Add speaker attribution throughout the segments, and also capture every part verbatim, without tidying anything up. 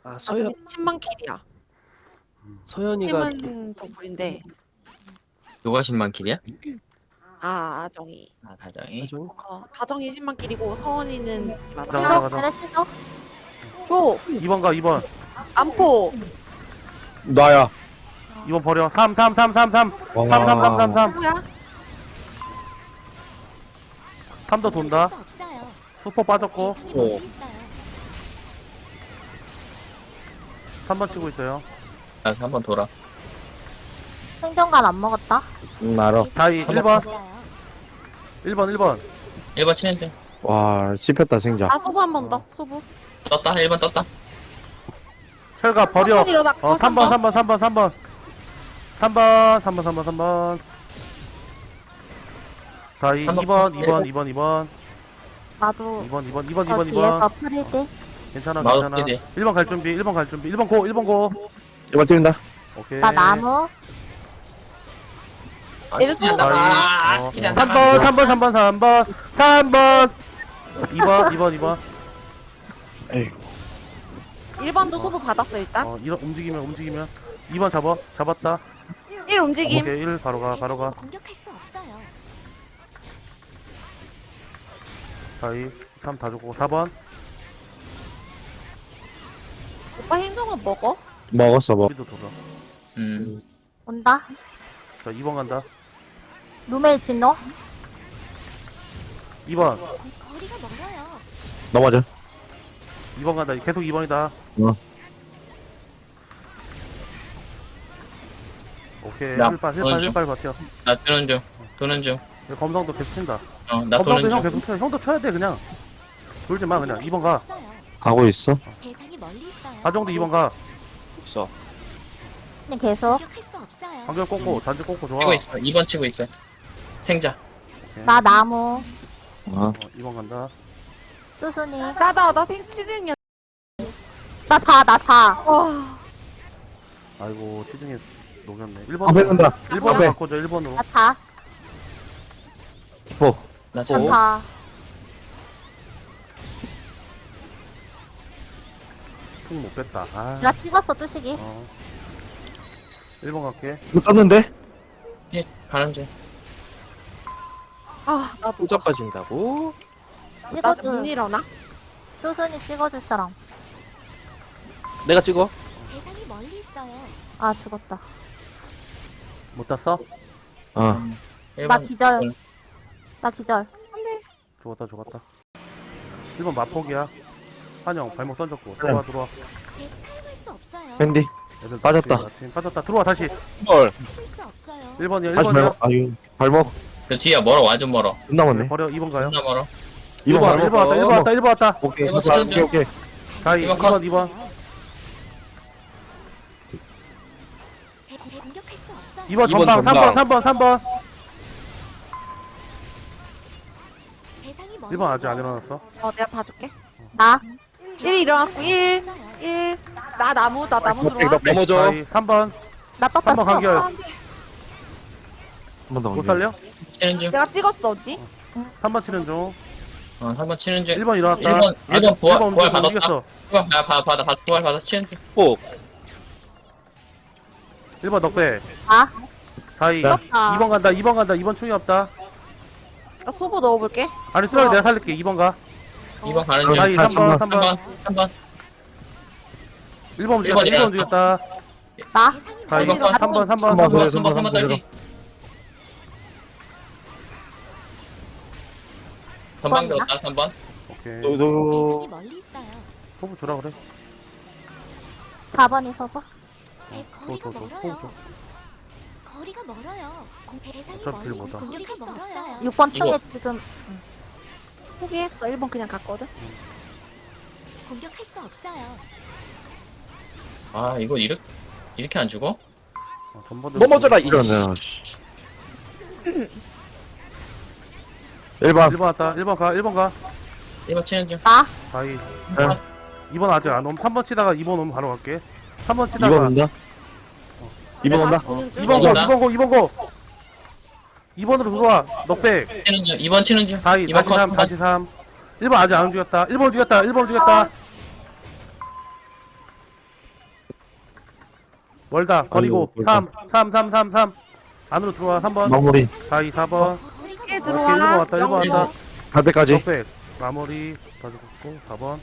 Speaker 1: 아 서현
Speaker 2: 십만 킬이야.
Speaker 1: 서현이가
Speaker 2: 팀은 더블인데
Speaker 3: 누가 십만 킬이야?
Speaker 2: 아 아정이.
Speaker 3: 아 다정이.
Speaker 1: 하정
Speaker 2: 어 다정이 십만 킬이고 서원이는
Speaker 4: 가자
Speaker 2: 맞아.
Speaker 4: 가자 가자.
Speaker 5: 그래 쓰죠?
Speaker 2: 줘
Speaker 4: 이 번 가 이 번.
Speaker 2: 안포.
Speaker 6: 나야.
Speaker 4: 이 번 버려. 삼 삼 삼 삼 삼.
Speaker 6: 와.
Speaker 4: 삼 삼 삼 삼 삼.
Speaker 2: 누구야?
Speaker 4: 삼 더 돈다. 수포 빠졌고
Speaker 6: 오.
Speaker 4: 삼 번 치고 있어요.
Speaker 3: 나 한 번 돌아.
Speaker 5: 생존관 안 먹었다.
Speaker 6: 응, 알아.
Speaker 4: 다이 일 번. 일 번 일 번.
Speaker 3: 일 번 치는 중.
Speaker 6: 와, 씹혔다, 생자.
Speaker 2: 아 소부 한 번 더. 소부.
Speaker 3: 떴다. 일 번 떴다.
Speaker 4: 철가 버려.
Speaker 2: 한번 일어났고,
Speaker 4: 어 삼 번
Speaker 2: 삼
Speaker 4: 삼 번 삼 번 삼 번. 삼 번 삼 번 삼 번 삼 번. 다이 이
Speaker 3: 삼
Speaker 4: 번
Speaker 3: 번.
Speaker 4: 이 번 이 번 이 번.
Speaker 5: 나도
Speaker 4: 이 번 이 번 이 번 이
Speaker 5: 저
Speaker 4: 번 이
Speaker 5: 뒤에서
Speaker 4: 번.
Speaker 5: 프리딜.
Speaker 4: 괜찮아
Speaker 3: 나도
Speaker 4: 괜찮아.
Speaker 3: 프리딜.
Speaker 4: 일 번 갈 준비. 일 번 갈 준비. 일 번 고 일 번 고.
Speaker 6: 이번 뛰는다.
Speaker 4: 오케이.
Speaker 5: 나 나무.
Speaker 3: 아,
Speaker 2: 얘를
Speaker 3: 스킬이 안
Speaker 2: 쏘고
Speaker 3: 나가.
Speaker 4: 어,
Speaker 3: 아, 스킬이 안
Speaker 4: 삼
Speaker 3: 나가.
Speaker 4: 번 삼 번 삼 번 삼 번 삼 번. 이 번 이 번 이 번.
Speaker 6: 에이,
Speaker 2: 일 번도 소부 받았어 일단.
Speaker 4: 어 이런 움직이면 움직이면 이 번 잡아. 잡았다.
Speaker 2: 일 움직임.
Speaker 4: 오케이 일 바로 가 바로 가.
Speaker 7: 공격할 수 없어요.
Speaker 4: 다이 삼 다 주고 사 번.
Speaker 2: 오빠 행동은 먹어?
Speaker 6: 먹었어, 먹.
Speaker 4: 우리도 돌아.
Speaker 3: 음.
Speaker 5: 온다.
Speaker 4: 자 이 번 간다.
Speaker 5: 루메이 진노.
Speaker 4: 이 번.
Speaker 7: 거리가 멀어요.
Speaker 6: 넘어져.
Speaker 4: 이 번 간다. 계속 이 번이다.
Speaker 6: 어.
Speaker 4: 오케이.
Speaker 3: 야,
Speaker 4: 힐빨,
Speaker 3: 도는
Speaker 4: 힐빨,
Speaker 3: 중.
Speaker 4: 힐빨 버텨.
Speaker 3: 나 도는 중. 도는 중.
Speaker 4: 검성도 계속 친다.
Speaker 3: 어, 나
Speaker 4: 검성도
Speaker 3: 도는
Speaker 4: 형
Speaker 3: 중.
Speaker 4: 계속 쳐. 형도 쳐야 돼, 그냥. 돌지 마, 그냥. 이 번 가.
Speaker 6: 가고 있어.
Speaker 7: 대상이 멀리 있어요.
Speaker 4: 하정도 이 번 가.
Speaker 1: 있어.
Speaker 5: 그냥 계속.
Speaker 7: 공격할 수 없어요.
Speaker 4: 방금 꽂고, 단지 꽂고 좋아.
Speaker 3: 치고 있어. 이 번 치고 있어. 생자.
Speaker 5: 나 나무.
Speaker 6: 아,
Speaker 4: 어, 이 번 간다.
Speaker 5: 수순이.
Speaker 2: 나다 나 생치즈냐.
Speaker 5: 나 다, 나 다.
Speaker 2: 와.
Speaker 4: 아이고, 치중에 녹였네.
Speaker 6: 앞에
Speaker 4: 일 번으로.
Speaker 6: 간다.
Speaker 4: 일 번으로
Speaker 6: 앞에.
Speaker 4: 바꿔줘, 일 번으로.
Speaker 5: 나 다.
Speaker 6: 뭐.
Speaker 3: 나
Speaker 5: 나
Speaker 3: 참.
Speaker 5: 다.
Speaker 4: 퉁 못 뺐다. 아.
Speaker 5: 나 찍었어, 뚜식이.
Speaker 4: 어. 일 번 갈게.
Speaker 6: 이거 떴는데?
Speaker 3: 예, 가는 중.
Speaker 2: 아 나도.
Speaker 1: 후져 빠진다고?
Speaker 5: 찍어줄.
Speaker 2: 나못 일어나?
Speaker 5: 수순이 찍어줄 사람.
Speaker 1: 내가 찍어.
Speaker 7: 대상이 멀리 있어요.
Speaker 5: 아, 죽었다.
Speaker 4: 못 땄어?
Speaker 6: 어.
Speaker 3: 일
Speaker 5: 나
Speaker 3: 번.
Speaker 5: 기절. 나 기절.
Speaker 2: 안돼.
Speaker 4: 죽었다, 죽었다. 일 번 마폭이야. 한영, 발목 던졌고. 들어와, 들어와.
Speaker 7: 대 사용할 수 없어요.
Speaker 6: 밴디.
Speaker 4: 애들
Speaker 6: 빠졌다.
Speaker 4: 마침, 마침 빠졌다. 들어와, 다시.
Speaker 6: 헐.
Speaker 7: 찾을 수 없어요.
Speaker 4: 일 번이야, 일
Speaker 6: 다시
Speaker 4: 번이야.
Speaker 6: 발목. 아유, 발목.
Speaker 3: 그 뒤야 멀어. 완전 멀어.
Speaker 6: 못 남았네.
Speaker 4: 버려, 이 번 가요.
Speaker 3: 존나 멀어.
Speaker 4: 일 번, 일 번 왔다, 일 번 왔다, 일 번 왔다.
Speaker 6: 오케이,
Speaker 3: 일 번
Speaker 6: 오케이,
Speaker 3: 치는
Speaker 6: 오케이.
Speaker 4: 다이, 이
Speaker 3: 이 번
Speaker 4: 번, 이 번.
Speaker 7: 대 공격할 수 없어요.
Speaker 4: 이 번
Speaker 1: 이 번
Speaker 4: 전방, 삼 번,
Speaker 1: 전방.
Speaker 4: 삼 번, 삼 번.
Speaker 7: 대상이 멀리
Speaker 4: 일 번 아직 안
Speaker 7: 있어요.
Speaker 4: 일어났어.
Speaker 2: 어 내가 봐줄게.
Speaker 5: 나.
Speaker 2: 일이 일어났고 일.
Speaker 7: 없어요.
Speaker 2: 일. 나 나무 나 나무
Speaker 6: 오케이,
Speaker 2: 들어와.
Speaker 6: 오케이.
Speaker 1: 넘어져.
Speaker 4: 다이, 삼 번.
Speaker 5: 나 떴다.
Speaker 4: 삼 번 간결.
Speaker 2: 아, 안돼.
Speaker 6: 한번 더.
Speaker 4: 못 살려?
Speaker 3: 치는 중.
Speaker 2: 내가 찍었어 언니.
Speaker 4: 삼 번 치는 중.
Speaker 3: 어, 한 번 치는 중.
Speaker 4: 일 번 일어났다.
Speaker 3: 일 번, 일 번 부활,
Speaker 4: 일 번
Speaker 3: 부활
Speaker 4: 움직였어,
Speaker 3: 받았다.
Speaker 4: 움직였어.
Speaker 3: 부활 받아, 받아, 받아, 받아, 부활 받아, 치는 중.
Speaker 1: 꼭.
Speaker 4: 일 번 넉배.
Speaker 5: 아,
Speaker 4: 다이.
Speaker 6: 네.
Speaker 5: 떴다.
Speaker 4: 이 번 간다, 이 번 간다, 이 번 충이 없다.
Speaker 2: 나 소부 넣어볼게.
Speaker 4: 아니, 뚜라기 내가 살릴게. 이 번 가.
Speaker 3: 이 번 가는 중.
Speaker 4: 다이,
Speaker 6: 아,
Speaker 4: 삼 번, 삼
Speaker 3: 한
Speaker 4: 번.
Speaker 3: 번, 한 번.
Speaker 4: 일 번 움직였다,
Speaker 3: 일 번
Speaker 4: 일 번 움직였다.
Speaker 5: 나.
Speaker 7: 대상이
Speaker 4: 다이,
Speaker 7: 멀리
Speaker 3: 번,
Speaker 4: 삼 번, 삼 번,
Speaker 6: 삼 번,
Speaker 4: 삼 번.
Speaker 3: 한 번,
Speaker 6: 삼
Speaker 3: 한 번, 한 번
Speaker 6: 번,
Speaker 3: 딸기. 전방 들었다, 삼 번.
Speaker 4: 오케이.
Speaker 6: 너, 너.
Speaker 7: 대상이 멀리 있어요.
Speaker 4: 소부 주라 그래.
Speaker 5: 사 번이 서버.
Speaker 7: 대
Speaker 4: 줘,
Speaker 7: 거리가
Speaker 4: 줘, 줘. 소부
Speaker 7: 멀어요.
Speaker 4: 줘.
Speaker 7: 거리가 멀어요. 공 대상이
Speaker 4: 어차피
Speaker 7: 멀리
Speaker 4: 못 와.
Speaker 7: 공격할 수 없어요.
Speaker 5: 육 번
Speaker 3: 이거.
Speaker 5: 충에 지금.
Speaker 2: 포기했어. 일 번 그냥 갔거든.
Speaker 7: 공격할 수 없어요.
Speaker 3: 아, 이거 이렇게, 이렇게 안 죽어?
Speaker 4: 어, 전번도
Speaker 1: 넘어져라 이.
Speaker 6: 이러네. 일 번.
Speaker 4: 일 번 왔다. 일 번 가, 일 번 가.
Speaker 3: 일 번 치는 중.
Speaker 5: 나.
Speaker 4: 다이.
Speaker 6: 네.
Speaker 4: 이 번 아직 안 오면 삼 번 치다가 이 번 오면 바로 갈게. 삼 번
Speaker 6: 이
Speaker 4: 치다가
Speaker 6: 번 온다. 이 번 온다.
Speaker 2: 보는 중.
Speaker 4: 이 번 고,
Speaker 3: 온다.
Speaker 4: 이 번 고, 이 번 고. 이 번으로 들어와. 넉백.
Speaker 3: 치는 중. 이 번 치는 중.
Speaker 4: 다이,
Speaker 3: 이 번
Speaker 4: 다시
Speaker 3: 컷.
Speaker 4: 삼, 다시 삼. 일 번 아직 안 움직였다. 일 번 움직였다. 일 번 움직였다. 멀다. 버리고.
Speaker 6: 아이고,
Speaker 4: 삼, 삼, 삼, 삼, 삼. 안으로 들어와. 삼 번.
Speaker 6: 마무리.
Speaker 4: 다이 사 번.
Speaker 7: 거리가
Speaker 2: 일
Speaker 7: 멀어요.
Speaker 2: 들어와.
Speaker 4: 일번 왔다, 일번
Speaker 2: 영점.
Speaker 4: 왔다.
Speaker 6: 갈 때까지.
Speaker 4: 넉백. 마무리. 다 죽었고. 사 번.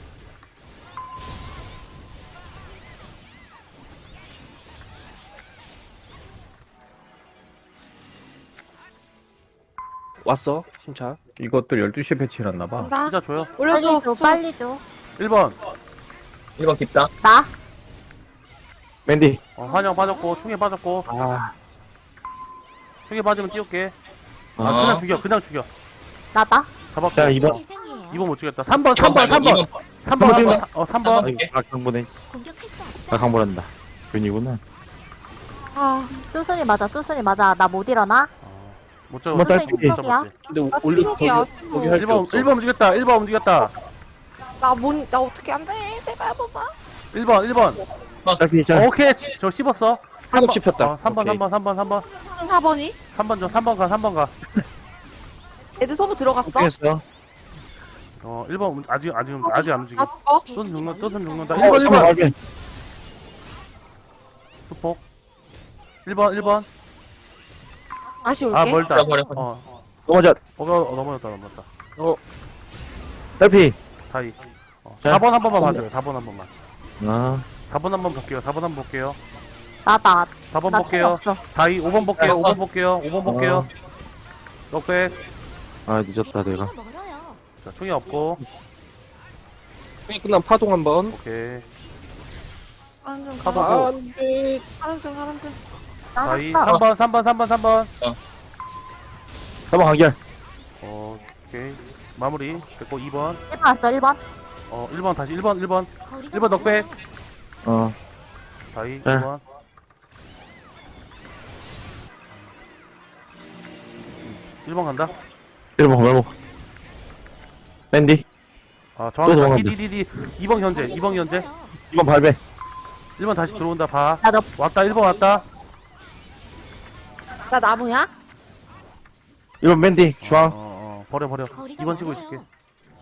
Speaker 1: 왔어 신차.
Speaker 8: 이것도 열두 시에 배치해놨나봐.
Speaker 2: 간다.
Speaker 4: 진짜 줘요.
Speaker 2: 올려줘.
Speaker 5: 빨리 줘,
Speaker 2: 줘.
Speaker 5: 빨리 줘.
Speaker 4: 일 번.
Speaker 3: 일 번 깊다.
Speaker 5: 나.
Speaker 6: 맨디.
Speaker 4: 어, 환영 빠졌고. 충에 빠졌고.
Speaker 6: 아.
Speaker 4: 충에 빠지면 띄울게. 아,
Speaker 3: 어.
Speaker 4: 그냥 죽여. 그냥 죽여.
Speaker 5: 나다.
Speaker 4: 잡았고.
Speaker 6: 자, 이 번.
Speaker 7: 대상이에요.
Speaker 4: 이 번 못 죽였다. 삼 번, 삼 번, 삼 번. 삼 번, 삼 번. 어, 삼 번.
Speaker 6: 아이고, 아, 강보네.
Speaker 7: 공격할 수
Speaker 6: 아,
Speaker 7: 없어요.
Speaker 6: 강보란다. 괜히구나.
Speaker 2: 아,
Speaker 5: 뚜순이 맞아, 뚜순이 맞아. 나 못 일어나.
Speaker 4: 못
Speaker 6: 한번
Speaker 4: 잡았어.
Speaker 6: 딸피.
Speaker 4: 못 잡았지.
Speaker 1: 근데
Speaker 2: 나
Speaker 1: 올려
Speaker 2: 침묵이야,
Speaker 1: 거기
Speaker 2: 침묵.
Speaker 1: 할
Speaker 4: 일
Speaker 1: 게
Speaker 4: 번,
Speaker 1: 없어.
Speaker 4: 일 번 움직였다. 일 번 움직였다.
Speaker 2: 나 뭔, 나 어떻게 안 돼? 제발 한 번만.
Speaker 4: 일 번, 일 번.
Speaker 6: 딸피 자.
Speaker 4: 오케이. 지- 저 씹었어.
Speaker 1: 한번 씹혔다.
Speaker 4: 어, 삼 번,
Speaker 1: 오케이.
Speaker 4: 삼 번, 삼 번, 삼 번.
Speaker 2: 사 번이?
Speaker 4: 삼 번 줘. 삼 번 가, 삼 번 가.
Speaker 2: 애들 소부 들어갔어?
Speaker 6: 했어.
Speaker 4: 어, 일 번 움- 아직 아직 아직 안 움직여.
Speaker 2: 나 어?
Speaker 4: 또 죽는다. 또 죽는다.
Speaker 6: 어,
Speaker 4: 일 번, 일
Speaker 6: 잠깐만,
Speaker 4: 번.
Speaker 6: 확인.
Speaker 4: 수폭. 일 번, 일 번.
Speaker 2: 다시 올게.
Speaker 4: 아, 멀다.
Speaker 3: 버려, 버려.
Speaker 4: 어.
Speaker 6: 넘어져.
Speaker 4: 어, 어, 넘어졌다, 넘어졌다.
Speaker 6: 딸피.
Speaker 4: 다이. 어,
Speaker 6: 자,
Speaker 4: 사 번 한 번만
Speaker 6: 삼
Speaker 4: 봐줘요. 사 번 한 번만.
Speaker 6: 아.
Speaker 4: 사 번 한 번 볼게요. 사 번 한 번 볼게요.
Speaker 5: 나다.
Speaker 4: 사 번
Speaker 5: 나 충
Speaker 4: 볼게요.
Speaker 5: 없어.
Speaker 4: 다이 오 번 볼게요.
Speaker 3: 아,
Speaker 4: 오 번 볼게요. 오 번 볼게요. 넉백.
Speaker 6: 아, 늦었다, 내가.
Speaker 7: 거리가 멀어요.
Speaker 4: 자, 충이 없고.
Speaker 1: 형이 끝나면 파동 한번.
Speaker 4: 오케이.
Speaker 2: 하는 중,
Speaker 4: 파도.
Speaker 2: 가봐.
Speaker 4: 아,
Speaker 1: 안돼.
Speaker 2: 하는 중, 하는 중.
Speaker 4: 다이
Speaker 5: 알았어.
Speaker 4: 삼 번, 삼 번, 삼 번, 삼 번.
Speaker 6: 삼 번 간결.
Speaker 4: 어, 오케이. 마무리. 됐고 이 번.
Speaker 5: 일 번 왔어, 일 번.
Speaker 4: 어, 일 번 다시 일 번, 일 번.
Speaker 7: 거리가
Speaker 4: 일 번 넉백.
Speaker 7: 멀어요.
Speaker 6: 어.
Speaker 4: 다이 이
Speaker 6: 네.
Speaker 4: 번. 일 번 간다.
Speaker 6: 일 번 발목. 맨디.
Speaker 4: 아,
Speaker 6: 또
Speaker 4: 정확히
Speaker 6: 넘어간다.
Speaker 4: 디디디디. 이 번 현재. 이 번 현재.
Speaker 7: 멀어요.
Speaker 6: 이 번 발배.
Speaker 4: 일 번 다시 들어온다. 봐.
Speaker 5: 나 너,
Speaker 4: 왔다. 일 번 왔다.
Speaker 2: 나 나무야?
Speaker 6: 일 번 맨디.
Speaker 4: 어,
Speaker 6: 중앙.
Speaker 4: 어, 어. 버려 버려.
Speaker 7: 거리가
Speaker 4: 이 번 치고
Speaker 7: 멀어요.
Speaker 4: 있을게.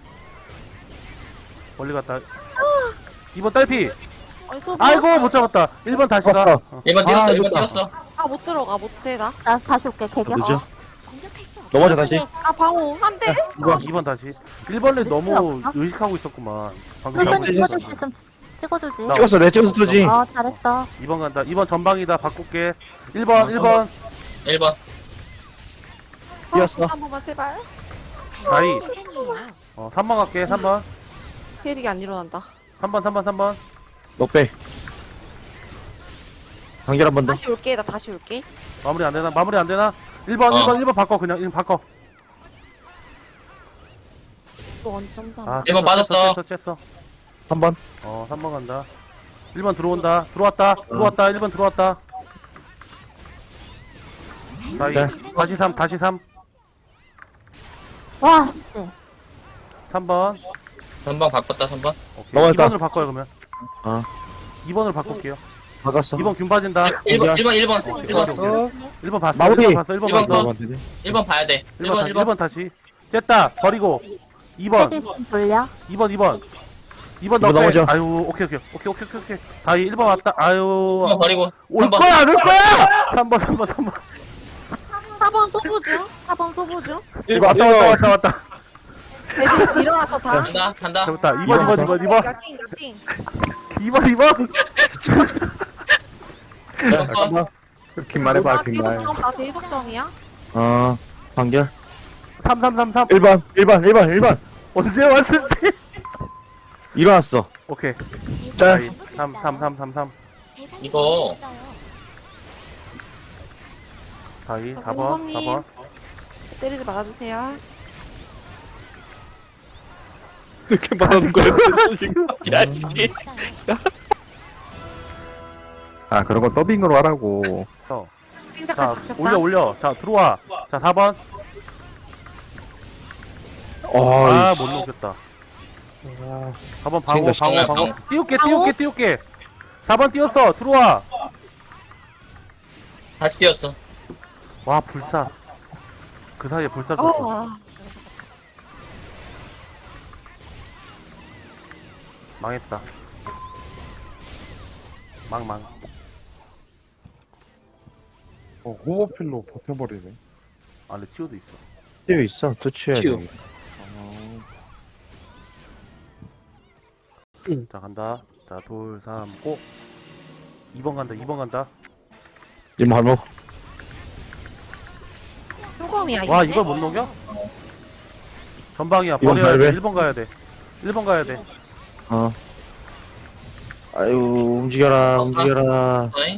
Speaker 4: 멀리 갔다. 이 번 딸피.
Speaker 2: 아니, 소부.
Speaker 4: 아이고 못 잡았다. 일 번 다시 가.
Speaker 6: 왔어.
Speaker 4: 어.
Speaker 3: 일 번
Speaker 6: 아,
Speaker 3: 뛰었어, 일 번
Speaker 6: 이겼다.
Speaker 3: 뛰었어.
Speaker 2: 아, 못 들어가, 못해, 나.
Speaker 5: 나 다시 올게, 개겨.
Speaker 6: 늦어.
Speaker 7: 공격할 수 없어요.
Speaker 6: 넘어져, 다시.
Speaker 2: 아, 방어. 안 돼.
Speaker 6: 이 번.
Speaker 4: 이 번 다시. 일 번을 너무
Speaker 5: 없어?
Speaker 4: 의식하고 있었구만. 방금
Speaker 6: 일 번
Speaker 5: 뚜순이
Speaker 6: 찍었어.
Speaker 5: 찍어줄 수 있으면 찍어주지.
Speaker 4: 나-
Speaker 6: 찍었어, 내 찍어서 투지.
Speaker 5: 어, 잘했어.
Speaker 4: 이 번 간다. 이 번 전방이다. 바꿀게. 일 번, 일 번.
Speaker 3: 일 번.
Speaker 6: 뛰었어.
Speaker 2: 한 번만, 제발.
Speaker 4: 다이.
Speaker 7: 대상이에요.
Speaker 4: 어, 삼 번 갈게. 삼 번.
Speaker 2: 페릭이 안 일어난다.
Speaker 4: 삼 번, 삼 번, 삼 번.
Speaker 6: 넉배. 간결 한 번 더.
Speaker 2: 다시 올게, 나 다시 올게.
Speaker 4: 마무리 안 되나? 마무리 안 되나? 일 번,
Speaker 3: 어.
Speaker 4: 일 번, 일 번 바꿔. 그냥 일 번 바꿔.
Speaker 2: 또 언제 점사.
Speaker 4: 아,
Speaker 3: 일 번
Speaker 4: 쬐어,
Speaker 3: 맞았어.
Speaker 4: 쬐어, 쬐어.
Speaker 6: 삼 번.
Speaker 4: 어, 삼 번 간다. 일 번 들어온다. 들어왔다. 들어왔다. 일 번 들어왔다. 다이.
Speaker 6: 네.
Speaker 4: 다시 삼, 다시 삼.
Speaker 5: 와, 씨.
Speaker 4: 삼 번.
Speaker 3: 삼 번 바꿨다, 삼 번.
Speaker 4: 오케이.
Speaker 6: 넘어갔다.
Speaker 4: 이 번으로 바꿔요, 그러면.
Speaker 6: 어.
Speaker 4: 이 번으로 바꿀게요.
Speaker 6: 박았어.
Speaker 4: 이 번 균 빠진다.
Speaker 3: 일 번, 일 번, 일 번.
Speaker 4: 오케이,
Speaker 3: 일 번.
Speaker 4: 오케이, 오케이. 일 번 봤어.
Speaker 6: 마무리.
Speaker 4: 일 번 봤어. 일 번
Speaker 3: 일 번
Speaker 4: 봤어.
Speaker 3: 거. 일 번 봐야 돼.
Speaker 4: 일
Speaker 3: 일
Speaker 4: 번
Speaker 3: 번,
Speaker 4: 다시.
Speaker 3: 일
Speaker 4: 일
Speaker 3: 번.
Speaker 4: 번 다시. 쨌다. 버리고. 이 번.
Speaker 5: 헤드슨 돌려.
Speaker 4: 이 번, 이 번. 이 번
Speaker 6: 이 번
Speaker 4: 넣게.
Speaker 6: 넘어져.
Speaker 4: 아유, 오케이, 오케이. 오케이, 오케이, 오케이, 오케이. 다이 일 번 왔다. 아유.
Speaker 3: 일 번 버리고.
Speaker 4: 올
Speaker 3: 삼 번.
Speaker 4: 거야, 안 올 거야! 삼 번, 삼 번, 삼 번.
Speaker 2: 사 번 소부 중. 사 번 소부 중.
Speaker 6: 이거
Speaker 4: 왔다, 왔다, 왔다, 왔다.
Speaker 2: 애들 일어나서 다.
Speaker 3: 간다, 간다.
Speaker 4: 잡았다. 이 번, 이 번, 이 번, 이 번.
Speaker 2: 나 띵, 나 띵.
Speaker 4: 이 번, 이 번.
Speaker 6: 잠깐만.
Speaker 8: 긴 말해봐,
Speaker 2: 나
Speaker 8: 긴 말.
Speaker 2: 대속정, 나 대속정이야.
Speaker 6: 어. 간결.
Speaker 4: 삼, 삼, 삼, 삼.
Speaker 6: 일 번. 일 번. 일 번. 일 번.
Speaker 4: 언제 왔을 때?
Speaker 6: 일어났어.
Speaker 4: 오케이.
Speaker 6: 짤.
Speaker 4: 다이. 삼, 삼, 삼, 삼, 삼.
Speaker 7: 대상이
Speaker 3: 이거.
Speaker 7: 있어요.
Speaker 4: 다이 사 번,
Speaker 2: 공범님.
Speaker 4: 사 번.
Speaker 2: 때리지 말아주세요.
Speaker 1: 이렇게 말하는 거야. 지금. 야, 씨.
Speaker 7: 있어요.
Speaker 8: 아, 그런 거 더빙으로 하라고.
Speaker 4: 어.
Speaker 2: 띵작까지
Speaker 4: 자,
Speaker 2: 잡혔다.
Speaker 4: 올려, 올려. 자, 들어와. 자, 사 번.
Speaker 6: 어.
Speaker 4: 아, 못 넘겼다. 사 번 방어,
Speaker 6: 챙겨,
Speaker 4: 방어,
Speaker 3: 챙겨.
Speaker 4: 방어. 띄울게,
Speaker 2: 방어?
Speaker 4: 띄울게, 띄울게. 사 번 띄웠어. 들어와.
Speaker 3: 다시 뛰었어.
Speaker 4: 와, 불사. 그 사이에 불사 줬어.
Speaker 2: 어,
Speaker 4: 망했다. 망, 망.
Speaker 9: 어, 호버필로 버텨버리네.
Speaker 4: 안에 치우도 있어.
Speaker 6: 치유 있어. 또 치유야
Speaker 1: 치유.
Speaker 6: 돼.
Speaker 4: 자 간다. 자 둘, 삼, 고. 이 번 간다. 이 번 간다.
Speaker 6: 이모 할모.
Speaker 2: 흉검이야
Speaker 4: 와
Speaker 2: 이제.
Speaker 4: 이걸 못 녹여? 전방이야.
Speaker 6: 이번
Speaker 4: 버려야 돼.
Speaker 6: 발배?
Speaker 4: 일 번 가야 돼. 일 번 가야 돼.
Speaker 6: 어. 아유 움직여라 움직여라.
Speaker 3: 어이?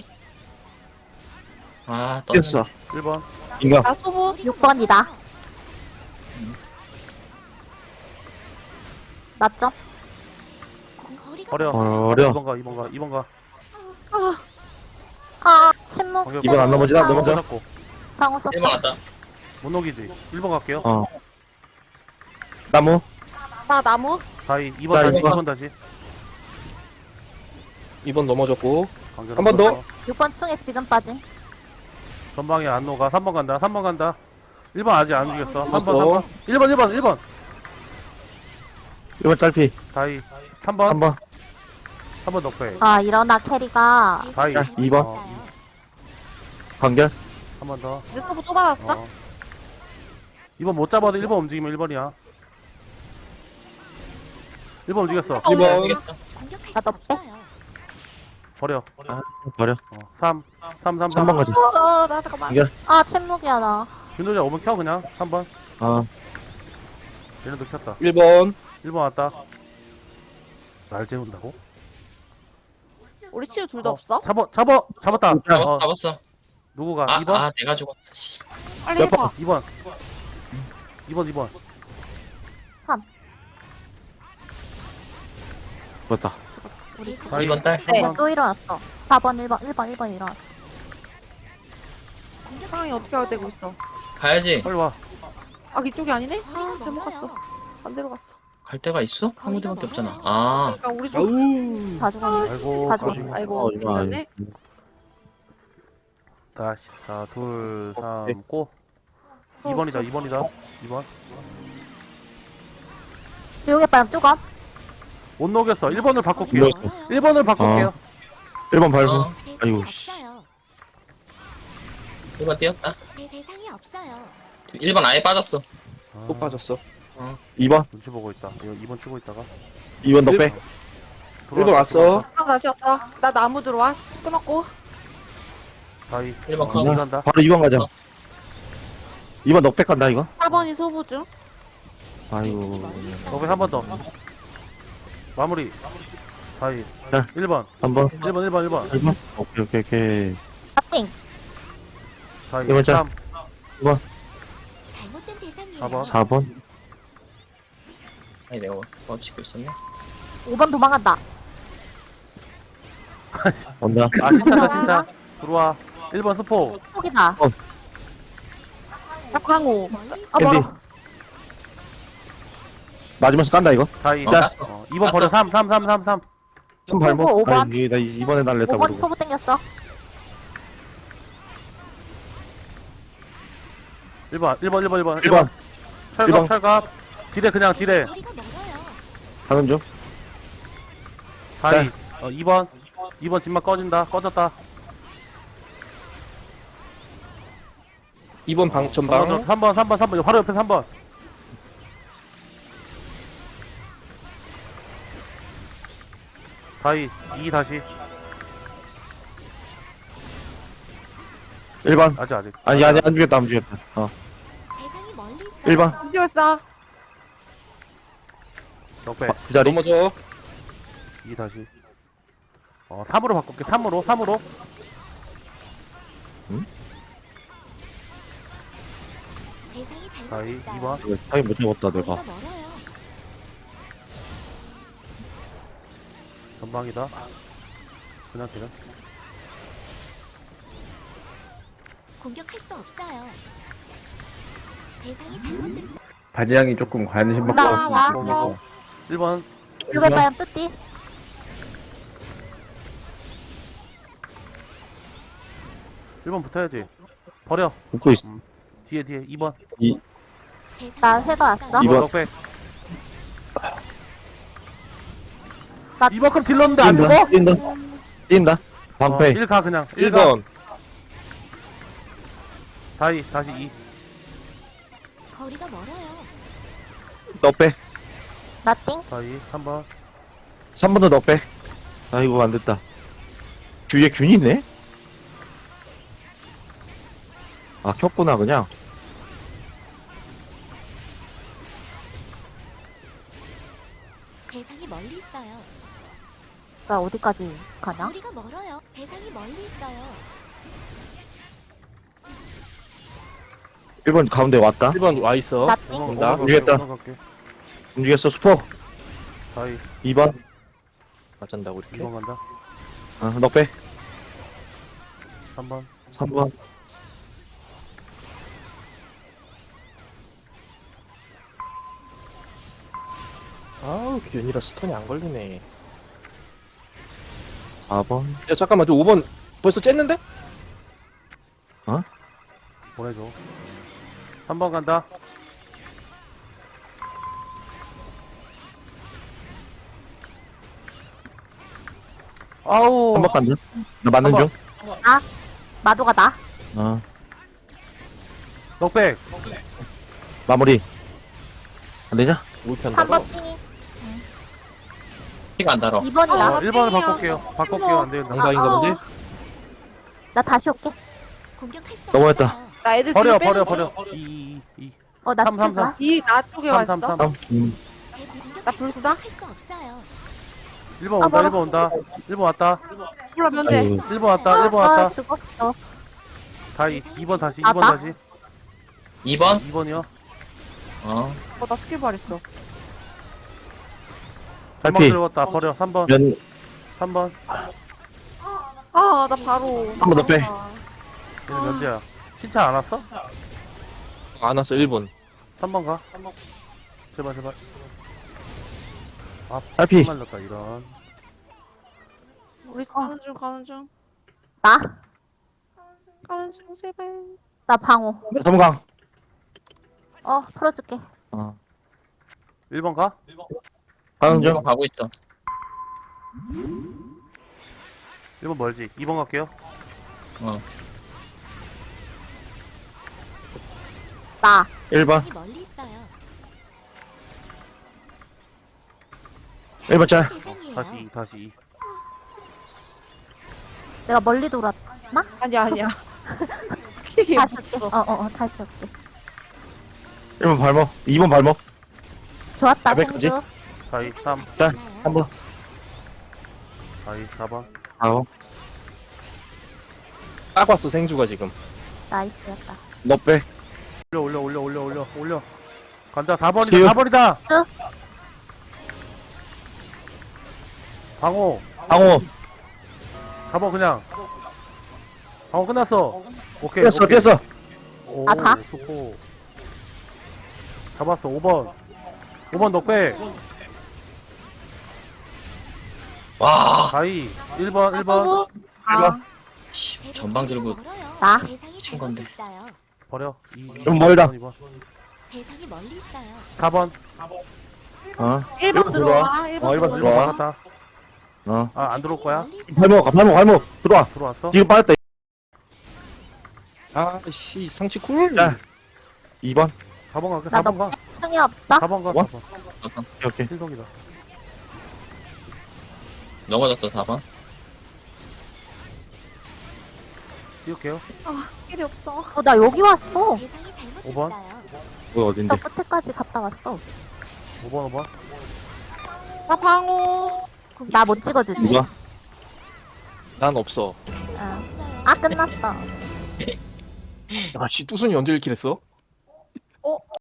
Speaker 3: 아, 떴네.
Speaker 6: 뛰었어.
Speaker 4: 일 번.
Speaker 6: 인가.
Speaker 2: 나 소부.
Speaker 5: 육 번이다. 맞죠?
Speaker 7: 거리가
Speaker 4: 버려.
Speaker 6: 버려.
Speaker 4: 이 번 가. 이 번 가. 이 번 가.
Speaker 2: 아,
Speaker 5: 아, 침묵.
Speaker 4: 공격.
Speaker 6: 이번 안 넘어지나?
Speaker 5: 아,
Speaker 6: 넘어져?
Speaker 4: 잡고.
Speaker 5: 방어 썼다.
Speaker 3: 일 번 왔다.
Speaker 4: 못 녹이지. 일 번 갈게요.
Speaker 6: 어. 나무.
Speaker 2: 나 나무.
Speaker 4: 다이. 이 번
Speaker 6: 자,
Speaker 4: 다시. 이
Speaker 6: 이 번.
Speaker 4: 번 다시.
Speaker 1: 이 번 넘어졌고.
Speaker 4: 관계로
Speaker 1: 한번 더.
Speaker 4: 풀었어.
Speaker 5: 육 번 충에 지금 빠진.
Speaker 4: 전방에 안 녹아. 삼 번 간다. 삼 번 간다. 일 번 아직 안 죽였어. 삼 번, 삼
Speaker 1: 죽었어.
Speaker 4: 번. 일 번, 일 번, 일 번.
Speaker 6: 이번 짧피.
Speaker 4: 다이. 삼 번.
Speaker 6: 한 번.
Speaker 4: 삼 번 넉배.
Speaker 5: 아, 일어나 캐리가.
Speaker 4: 다이.
Speaker 6: 야, 이 번.
Speaker 4: 어,
Speaker 6: 관결.
Speaker 4: 한 번 더.
Speaker 2: 내 소부 또 받았어?
Speaker 4: 어. 이 번 못 잡아도 일 번 움직이면 일 번이야. 일 번 움직였어.
Speaker 2: 어,
Speaker 1: 이 번.
Speaker 3: 모르겠어.
Speaker 7: 공격할
Speaker 5: 아,
Speaker 7: 수
Speaker 5: 너 빼?
Speaker 7: 없어요.
Speaker 4: 버려.
Speaker 6: 버려.
Speaker 4: 어. 삼. 삼, 삼,
Speaker 6: 삼 번
Speaker 4: 삼.
Speaker 6: 가자.
Speaker 2: 어, 나 잠깐만.
Speaker 6: 이겨.
Speaker 5: 아, 침묵이야, 나.
Speaker 4: 윤도자 오면 켜, 그냥. 삼 번.
Speaker 6: 어.
Speaker 4: 얘네도 켰다.
Speaker 1: 일 번.
Speaker 4: 일 번 왔다. 날 재운다고?
Speaker 2: 우리 치유 둘 다 없어?
Speaker 4: 잡아, 잡아, 잡았다.
Speaker 3: 잡았,
Speaker 4: 어,
Speaker 3: 잡았어.
Speaker 4: 누구가?
Speaker 3: 아,
Speaker 4: 이 번?
Speaker 3: 아, 내가 죽었어. 씨.
Speaker 2: 빨리 해봐.
Speaker 4: 이 번. 이 번, 이 번.
Speaker 6: 죽었다.
Speaker 7: 우리
Speaker 4: 아,
Speaker 3: 일 번 딸.
Speaker 2: 네.
Speaker 4: 삼 번.
Speaker 5: 또 일어났어. 사 번, 일 번, 일 번, 일 번 일어났어.
Speaker 2: 상황이 어떻게 하게 되고 있어?
Speaker 3: 가야지.
Speaker 4: 빨리 와.
Speaker 2: 아, 이쪽이 아니네? 아,
Speaker 7: 거리가
Speaker 2: 잘못
Speaker 7: 멀어요.
Speaker 2: 갔어. 반대로 갔어.
Speaker 3: 갈 데가 있어? 한 군데밖에 없잖아. 아,
Speaker 2: 그러니까 우리 좀.
Speaker 1: 아우.
Speaker 5: 다 죽었네.
Speaker 4: 아이고,
Speaker 5: 다 죽었네.
Speaker 4: 가지고.
Speaker 2: 아이고,
Speaker 6: 어, 이거 아니.
Speaker 2: 미안해.
Speaker 4: 다시. 자, 둘, 삼,
Speaker 6: 오케이.
Speaker 4: 고. 이 번이다, 이 번이다. 이 번.
Speaker 5: 조용히 빨리 뚜껑.
Speaker 4: 못 녹였어. 일 번을 바꿀게요.
Speaker 6: 이거-
Speaker 7: 멀어요.
Speaker 4: 일 번을 바꿀게요.
Speaker 6: 일 번 밟고.
Speaker 3: 어,
Speaker 7: 대상이
Speaker 6: 아이고, 씨.
Speaker 7: 없어요.
Speaker 3: 일 번 뛰었다.
Speaker 7: 대- 대상이 없어요.
Speaker 3: 일 번 아예 빠졌어.
Speaker 4: 아,
Speaker 1: 또 빠졌어.
Speaker 6: 이 번.
Speaker 4: 눈치 보고 있다. 이거 이 번 치고 있다가.
Speaker 6: 이 번 너
Speaker 1: 일-
Speaker 6: 빼.
Speaker 1: 일 번 왔어.
Speaker 2: 아, 다시 왔어. 나 나무 들어와. 집 끊었고.
Speaker 4: 다이.
Speaker 3: 일 번
Speaker 4: 어,
Speaker 3: 컷.
Speaker 4: 이 간다.
Speaker 6: 바로 이 번 가자.
Speaker 3: 어.
Speaker 6: 이 번 넉백 간다 이거.
Speaker 2: 사 번이 소부 중.
Speaker 7: 대상이
Speaker 6: 아이고.
Speaker 7: 멀리 있어요.
Speaker 4: 너왜 한 번 더. 마무리. 다이.
Speaker 6: 자.
Speaker 4: 일 번.
Speaker 6: 삼 번.
Speaker 4: 일 번, 일 번, 일 번.
Speaker 6: 일 번. 오케이 오케이 오케이.
Speaker 5: 파팅.
Speaker 4: 다이.
Speaker 6: 일 번 짜.
Speaker 4: 삼.
Speaker 7: 잘못된 대상이에요.
Speaker 4: 사 번.
Speaker 6: 사 번.
Speaker 3: 아니, 내가 뭐 치고 있었네.
Speaker 5: 오 번 도망간다.
Speaker 6: 온다.
Speaker 4: 아, 진짜다, 진짜. 들어와. 일 번 스포.
Speaker 5: 속이다.
Speaker 2: 광호.
Speaker 7: 멀리 있어요.
Speaker 5: 아,
Speaker 6: 캔디.
Speaker 5: 멀어.
Speaker 6: 맞으면서 깐다 이거.
Speaker 4: 다이.
Speaker 3: 어,
Speaker 6: 자.
Speaker 3: 땄어.
Speaker 4: 어, 이 번 버려. 삼, 삼, 삼, 삼, 삼.
Speaker 6: 한 발목.
Speaker 5: 오 번.
Speaker 6: 아니 나 이번에 날렸다
Speaker 5: 오 번
Speaker 6: 모르고.
Speaker 5: 소부 땡겼어.
Speaker 4: 일 번, 일 번, 일 번, 일 번.
Speaker 6: 일 번.
Speaker 4: 철갑,
Speaker 6: 일 번.
Speaker 4: 철갑. 지뢰, 그냥 지뢰.
Speaker 7: 거리가 멀어요.
Speaker 6: 하는 중.
Speaker 4: 다이. 어, 이 번. 이 번 진막 꺼진다. 꺼졌다.
Speaker 1: 이 번 방, 전방.
Speaker 4: 삼 번, 삼 번, 삼 번. 바로 옆에 삼 번. 다이. 이 다시.
Speaker 6: 일 번.
Speaker 4: 아직, 아직.
Speaker 6: 아니 아니 안 죽였다 안 죽였다. 어.
Speaker 7: 대상이 멀리 있어요.
Speaker 6: 일 번.
Speaker 2: 이겼어.
Speaker 4: 넉배.
Speaker 6: 그 자리.
Speaker 1: 넘어져.
Speaker 4: 이 다시. 어, 삼으로 바꿀게. 삼으로, 삼으로.
Speaker 7: 대상이
Speaker 4: 다이.
Speaker 7: 잘못됐어요.
Speaker 4: 이 번.
Speaker 6: 이거 타이 못 잡았다
Speaker 7: 거리가
Speaker 6: 내가.
Speaker 7: 멀어요.
Speaker 4: 전방이다. 그냥 그냥.
Speaker 7: 공격할 수 없어요. 대상이 잘못됐어요.
Speaker 8: 바지향이 조금 관심 받고
Speaker 2: 나
Speaker 8: 왔으면
Speaker 2: 왔어.
Speaker 8: 좋겠어.
Speaker 4: 일 번.
Speaker 5: 육 번 빨리 뚜띠.
Speaker 4: 일 번 붙어야지. 버려.
Speaker 6: 웃고 있어.
Speaker 4: 뒤에, 뒤에. 이 번.
Speaker 7: 대상이
Speaker 5: 나
Speaker 7: 멀리
Speaker 5: 회가
Speaker 7: 있어요.
Speaker 5: 왔어.
Speaker 6: 이 번.
Speaker 4: 넉백.
Speaker 5: 나-
Speaker 4: 이 번큼 질렀는데 안
Speaker 6: 뛴다.
Speaker 4: 죽어?
Speaker 6: 뛴다. 뛴다. 방패.
Speaker 4: 일 가, 그냥.
Speaker 1: 일
Speaker 4: 일 가.
Speaker 1: 번.
Speaker 4: 다이 다시 이.
Speaker 7: 거리가 멀어요.
Speaker 6: 넉배.
Speaker 5: 나띵.
Speaker 4: 다이 삼 번.
Speaker 6: 삼 번도 넉배. 아이고, 안 됐다. 뒤에 균이 있네? 아, 켰구나, 그냥.
Speaker 7: 대상이 멀리 있어요.
Speaker 5: 나 어디까지 가냐?
Speaker 7: 거리가 멀어요. 대상이 멀리 있어요.
Speaker 6: 일 번 가운데 왔다.
Speaker 1: 일 번 와있어.
Speaker 5: 나띵.
Speaker 1: 온다.
Speaker 6: 움직였다.
Speaker 4: 갈게.
Speaker 6: 움직였어, 수포.
Speaker 4: 다이
Speaker 6: 이 번.
Speaker 1: 맞잔다고
Speaker 4: 이
Speaker 1: 이렇게.
Speaker 4: 번 간다.
Speaker 6: 어, 넉배.
Speaker 4: 삼 번.
Speaker 6: 삼 번.
Speaker 1: 아우 균이라 스턴이 안 걸리네.
Speaker 6: 사 번.
Speaker 1: 야 잠깐만 저 오 번 벌써 쨌는데?
Speaker 4: 보내줘. 삼 번 간다. 아우.
Speaker 6: 한 번 간다. 나 맞는
Speaker 4: 한
Speaker 6: 중.
Speaker 5: 마도가 나.
Speaker 6: 어,
Speaker 4: 넉백.
Speaker 6: 마무리. 안 되냐?
Speaker 1: 올
Speaker 5: 삼
Speaker 1: 편다고?
Speaker 5: 번 띵이.
Speaker 3: 피가 안 달아.
Speaker 5: 이 번이다.
Speaker 2: 어.
Speaker 4: 일 번을
Speaker 2: 땡이야.
Speaker 4: 바꿀게요. 바꿀게요. 안 되겠다.
Speaker 1: 양방인가
Speaker 2: 아,
Speaker 1: 보지?
Speaker 5: 나 다시 올게.
Speaker 7: 공격할 수
Speaker 6: 넘어갔다.
Speaker 7: 없어요.
Speaker 2: 나 애들
Speaker 4: 버려
Speaker 2: 뒤로
Speaker 4: 버려
Speaker 2: 빼는
Speaker 4: 버려. 이 이 이.
Speaker 5: 어, 나
Speaker 4: 삼, 삼,
Speaker 5: 스킬봐.
Speaker 2: 이나 쪽에
Speaker 4: 삼,
Speaker 2: 왔어.
Speaker 4: 삼, 삼.
Speaker 6: 다음. 음.
Speaker 7: 대- 공격할
Speaker 2: 나
Speaker 7: 수-
Speaker 2: 불사?
Speaker 7: 공격할 수 없어요.
Speaker 4: 일 번
Speaker 5: 아,
Speaker 4: 온다.
Speaker 5: 멀어.
Speaker 4: 일 번 온다. 일 번 왔다.
Speaker 2: 몰라 면제.
Speaker 6: 아이고.
Speaker 4: 일 번 왔다. 일 번
Speaker 5: 아,
Speaker 4: 왔다.
Speaker 5: 죽었어.
Speaker 4: 다이 이 번 다시. 이
Speaker 5: 아,
Speaker 4: 번
Speaker 5: 나?
Speaker 4: 다시.
Speaker 3: 이 번?
Speaker 4: 이 번이요.
Speaker 3: 어.
Speaker 2: 어나 스킬 발했어.
Speaker 4: 한번
Speaker 6: 탈피.
Speaker 4: 들어갔다. 버려. 삼 번.
Speaker 6: 면,
Speaker 4: 삼 번.
Speaker 2: 아 나 바로.
Speaker 6: 한 번 더 빼.
Speaker 4: 얘는 면제야. 신차 안 왔어?
Speaker 1: 안 왔어 일 번.
Speaker 4: 삼 번 가. 제발 제발.
Speaker 6: 탈피.
Speaker 4: 말렸다 이런.
Speaker 2: 우리 가는 중 가는 중
Speaker 5: 나?
Speaker 2: 가는 중 제발.
Speaker 5: 나 방어.
Speaker 6: 삼강.
Speaker 5: 어, 풀어줄게.
Speaker 6: 어,
Speaker 4: 일 번 가.
Speaker 6: 가는
Speaker 3: 중
Speaker 6: 중.
Speaker 3: 가고 있어.
Speaker 4: 일 번 멀지. 이 번 갈게요.
Speaker 3: 어.
Speaker 5: 나.
Speaker 6: 일 번.
Speaker 7: 대상이 멀리 있어요.
Speaker 6: 일 번 짤.
Speaker 7: 대상이에요.
Speaker 4: 다시 이, 다시 이.
Speaker 5: 내가 멀리 돌았나?
Speaker 2: 아니야 아니야. 스킬이
Speaker 5: 다시
Speaker 2: 붙어.
Speaker 5: 올게. 어, 어, 어, 다시 올게.
Speaker 6: 일 번 발목. 이 번 발목.
Speaker 5: 좋았다,
Speaker 6: 몇백까지?
Speaker 5: 생주.
Speaker 4: 다이 삼.
Speaker 6: 짤. 한 번.
Speaker 4: 다이 사 번.
Speaker 6: 사 번.
Speaker 1: 딱 왔어 생주가 지금.
Speaker 5: 나이스였다.
Speaker 6: 넉배.
Speaker 4: 올려 올려 올려 올려 올려 올려. 간다. 사 번이다.
Speaker 6: 지금.
Speaker 4: 사 번이다.
Speaker 5: 응.
Speaker 4: 방호.
Speaker 6: 방호.
Speaker 4: 잡아 그냥. 방호 끝났어. 오케이.
Speaker 6: 뛰었어,
Speaker 4: 오케이.
Speaker 6: 뛰었어.
Speaker 4: 오,
Speaker 5: 아, 다?
Speaker 4: 좋고. 잡았어. 오 번. 오 번 넉백.
Speaker 3: 와.
Speaker 4: 다이. 일 번, 일 번.
Speaker 2: 서브.
Speaker 5: 아,
Speaker 3: 씨, 전방 들고
Speaker 7: 멀어요.
Speaker 5: 나?
Speaker 7: 대상이
Speaker 3: 미친
Speaker 7: 잘못
Speaker 3: 건데.
Speaker 7: 있어요.
Speaker 4: 버려. 이,
Speaker 6: 좀 멀다.
Speaker 4: 이 번.
Speaker 7: 대상이 멀리 있어요.
Speaker 4: 사 번.
Speaker 6: 어,
Speaker 2: 일 번 들어와. 일
Speaker 6: 어,
Speaker 2: 번
Speaker 6: 일 번
Speaker 2: 들어와.
Speaker 4: 일 번
Speaker 6: 들어와.
Speaker 4: 바꿨다.
Speaker 6: 어.
Speaker 4: 아, 안 들어올 거야?
Speaker 7: 멀리 있어요.
Speaker 6: 발목, 발목, 발목. 들어와.
Speaker 4: 들어왔어?
Speaker 6: 지금 빠졌다.
Speaker 1: 아씨 상치 쿨.
Speaker 6: 야. 이 번.
Speaker 4: 사 번 갈게.
Speaker 5: 나
Speaker 4: 사 번 가.
Speaker 5: 너 충이 없어?
Speaker 4: 사 번 가.
Speaker 6: 뭐?
Speaker 4: 사 번.
Speaker 6: 오케이, 오케이.
Speaker 4: 신성이다.
Speaker 3: 넘어졌어 사 번.
Speaker 4: 찍을게요.
Speaker 2: 아 스킬이 없어.
Speaker 5: 어, 나 여기 왔어.
Speaker 7: 대상이 잘못
Speaker 4: 오 번?
Speaker 7: 있어요.
Speaker 6: 뭐 어딘데?
Speaker 5: 저 끝에까지 갔다 왔어.
Speaker 4: 오 번, 오 번.
Speaker 2: 나 방어.
Speaker 5: 나 못 찍어주지.
Speaker 6: 누가?
Speaker 1: 난 없어.
Speaker 7: 찾을 수
Speaker 5: 아.
Speaker 7: 없어요.
Speaker 5: 아, 끝났어.
Speaker 1: 아씨 뚜순이 언제 읽기랬어?